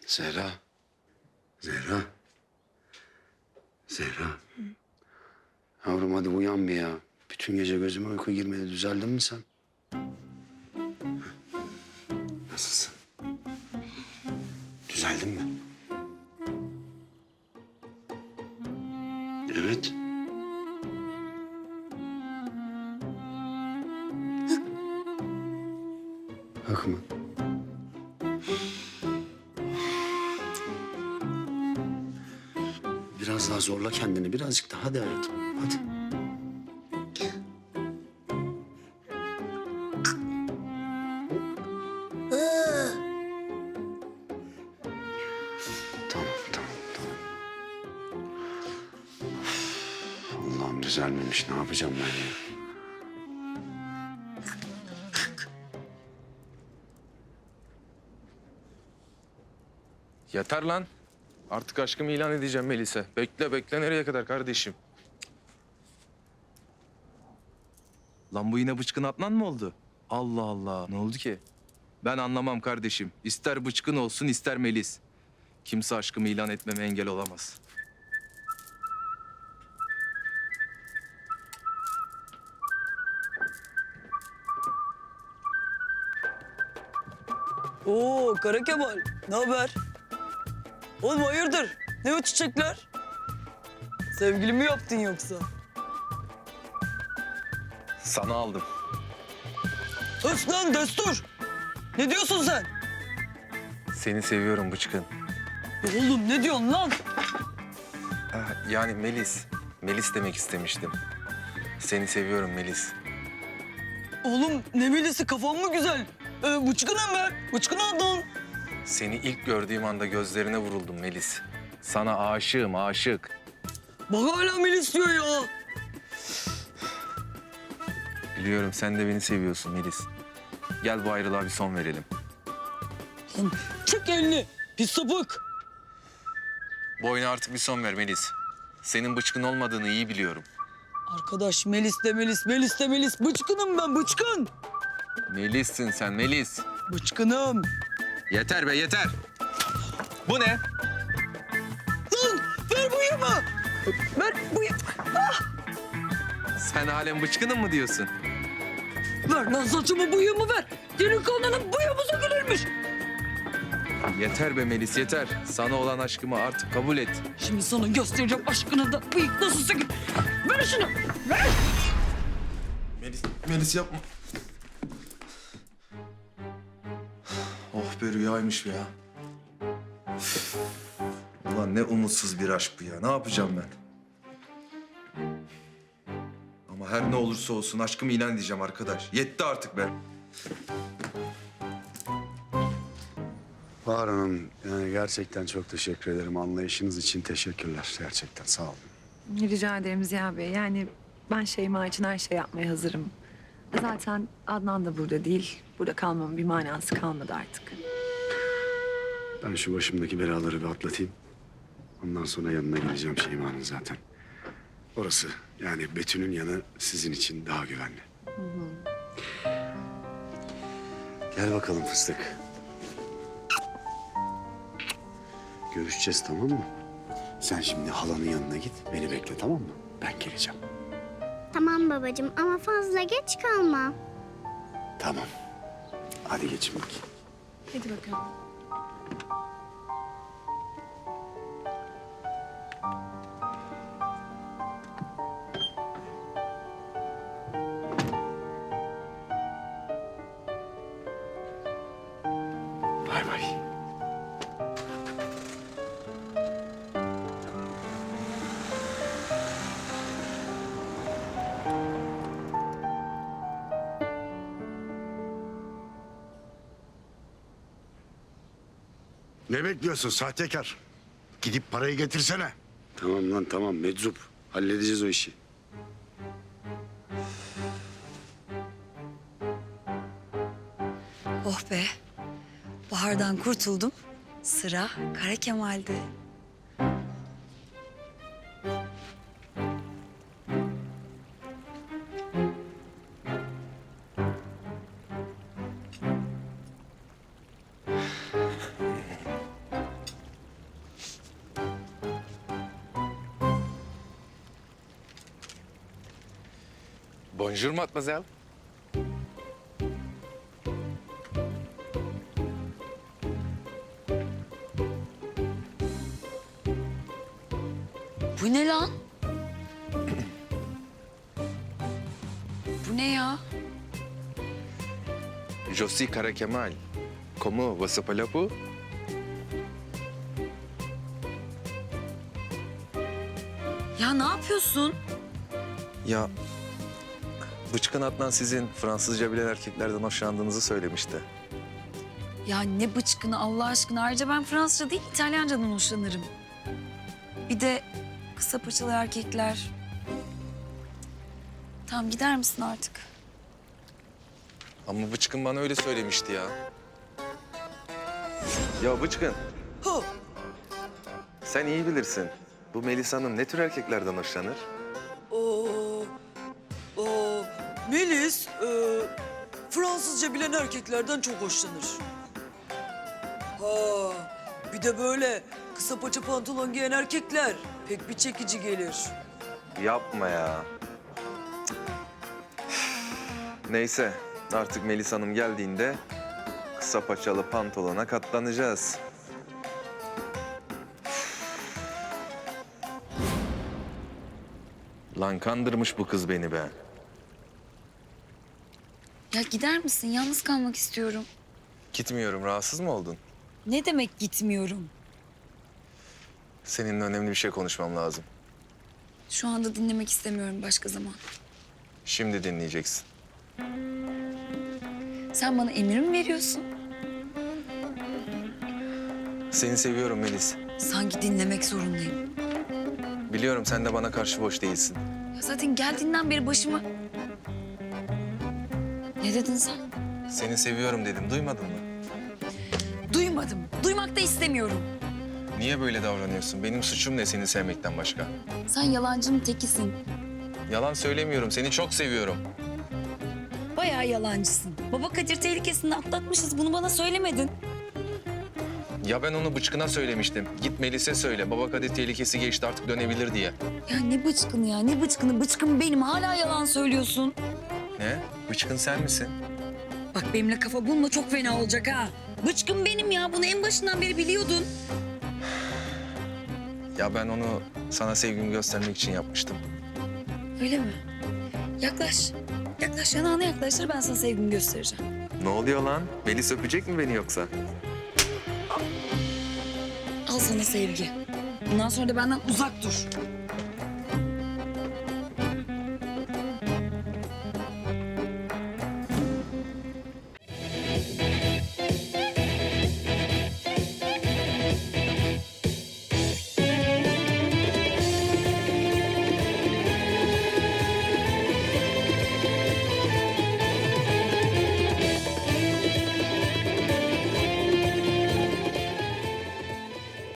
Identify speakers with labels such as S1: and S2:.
S1: Zehra. Zehra. Zehra. Yavrum hadi uyan bir ya. Bütün gece gözüme uyku girmedi. Düzeldin mi sen? Nasılsın? Düzeldin mi? Evet. Hak mı? Biraz daha zorla kendini. Birazcık daha. Hadi hayatım. Hadi. Tamam, tamam, tamam. Allah'ım düzelmemiş. Ne yapacağım ben ya?
S2: Yeter lan. Artık aşkımı ilan edeceğim Melis'e. Bekle bekle nereye kadar kardeşim? Lan bu yine bıçkın Adnan mı oldu? Allah Allah ne oldu ki? Ben anlamam kardeşim. İster bıçkın olsun ister Melis. Kimse aşkımı ilan etmeme engel olamaz.
S3: Oo Kara Kemal, ne haber? Oğlum hayırdır? Ne o çiçekler? Sevgili mi yaptın yoksa?
S2: Sana aldım.
S3: Öf lan destur! Ne diyorsun sen?
S2: Seni seviyorum bıçkın.
S3: Oğlum ne diyorsun lan?
S2: Yani Melis. Melis demek istemiştim. Seni seviyorum Melis.
S3: Oğlum ne bilesi kafan mı güzel? Bıçkınım ben, bıçkın Adnan.
S2: Seni ilk gördüğüm anda gözlerine vuruldum Melis. Sana aşığım aşık.
S3: Bak hala Melis diyor ya.
S2: Biliyorum sen de beni seviyorsun Melis. Gel bu ayrılığa bir son verelim.
S3: Lan çek elini, pis sapık.
S2: Bu oyuna artık bir son ver Melis. Senin bıçkın olmadığını iyi biliyorum.
S3: Arkadaş Melis de Melis, Melis de Melis. Bıçkınım ben, bıçkın.
S2: Melis'sin sen Melis.
S3: Bıçkınım.
S2: Yeter be yeter. Bu ne?
S3: Lan ver bu yama. Ver bu yama.
S2: Sen halen bıçkınım mı diyorsun?
S3: Ver lan saçımı bıyığımı ver. Delikanlının bıyığı mı sökülürmüş?
S2: Yeter be Melis yeter. Sana olan aşkımı artık kabul et.
S3: Şimdi sana göstereceğim aşkına da bıyık nasıl sökülür. Ver şunu. Ver.
S2: Melis yapma. Oh be rüyaymış ya. Ulan ne umutsuz bir aşk bu ya. Ne yapacağım ben? Ama her ne olursa olsun aşkımı ilan edeceğim arkadaş. Yetti artık be.
S1: Bahar Hanım, yani gerçekten çok teşekkür ederim. Anlayışınız için teşekkürler. Gerçekten sağ olun.
S4: Rica ederim Ziya Bey. Yani ben Şeyma için her şey yapmaya hazırım. Zaten Adnan da burada değil. Burada kalmamın bir manası kalmadı artık.
S1: Ben şu başımdaki belaları bir atlatayım. Ondan sonra yanına gideceğim Şeyma'nın zaten. Orası yani Betül'ün yanı sizin için daha güvenli. Gel bakalım fıstık. Görüşeceğiz tamam mı? Sen şimdi halanın yanına git. Beni bekle tamam mı? Ben geleceğim.
S5: Tamam babacığım ama fazla geç kalma.
S1: Tamam. Hadi geçin bakayım.
S4: Hadi bakalım.
S1: Bay bay.
S6: Ne bekliyorsun sahtekar? Gidip parayı getirsene.
S1: Tamam lan tamam meczup. Halledeceğiz o işi.
S7: Oh be. Bahar'dan kurtuldum. Sıra Kara Kemal'de.
S2: Bonjour mademoiselle.
S7: Bu ne lan? Bu ne ya?
S2: Je suis Kara Kemal. Comment vous appelez-vous?
S7: Ya ne yapıyorsun?
S2: Ya Bıçkın Adnan sizin Fransızca bilen erkeklerden hoşlandığınızı söylemişti.
S7: Ya ne bıçkını Allah aşkına. Ayrıca ben Fransızca değil İtalyancadan hoşlanırım. Bir de kısa paçalı erkekler. Tamam gider misin artık?
S2: Ama Bıçkın bana öyle söylemişti ya. Ya Bıçkın,
S3: Ha,
S2: sen iyi bilirsin. Bu Melisa Hanım ne tür erkeklerden hoşlanır?
S3: o, Melis Fransızca bilen erkeklerden çok hoşlanır. Ha, bir de böyle kısa paça pantolon giyen erkekler pek bir çekici gelir.
S2: Yapma ya. Neyse, artık Melisa Hanım geldiğinde kısa paçalı pantolona katlanacağız. Lan kandırmış bu kız beni be.
S7: Ya gider misin? Yalnız kalmak istiyorum.
S2: Gitmiyorum, rahatsız mı oldun?
S7: Ne demek gitmiyorum?
S2: Seninle önemli bir şey konuşmam lazım.
S7: Şu anda dinlemek istemiyorum, başka zaman.
S2: Şimdi dinleyeceksin.
S7: Sen bana emir mi veriyorsun?
S2: Seni seviyorum Melis.
S7: Sanki dinlemek zorundayım.
S2: Biliyorum sen de bana karşı boş değilsin.
S7: Ya zaten geldiğinden beri başıma... Ne dedin sen?
S2: Seni seviyorum dedim, duymadın mı?
S7: Duymadım. Duymak da istemiyorum.
S2: Niye böyle davranıyorsun? Benim suçum ne seni sevmekten başka?
S7: Sen yalancının tekisin.
S2: Yalan söylemiyorum, seni çok seviyorum.
S7: Bayağı yalancısın. Baba Kadir tehlikesini atlatmışız. Bunu bana söylemedin.
S2: Ya ben onu Bıçkın'a söylemiştim. Git Melis'e söyle, baba Kadir tehlikesi geçti artık dönebilir diye.
S7: Ya ne bıçkını ya, ne bıçkını? Bıçkın benim. Hala yalan söylüyorsun.
S2: Ne? Bıçkın sen misin?
S7: Bak benimle kafa bulma, çok fena olacak ha. Bıçkın benim ya. Bunu en başından beri biliyordun.
S2: Ya ben onu sana sevgimi göstermek için yapmıştım.
S7: Öyle mi? Yaklaş. Yaklaş, yanağına yaklaştır. Ben sana sevgimi göstereceğim.
S2: Ne oluyor lan? Melis öpecek mi beni yoksa?
S7: Al sana sevgi. Bundan sonra da benden uzak dur.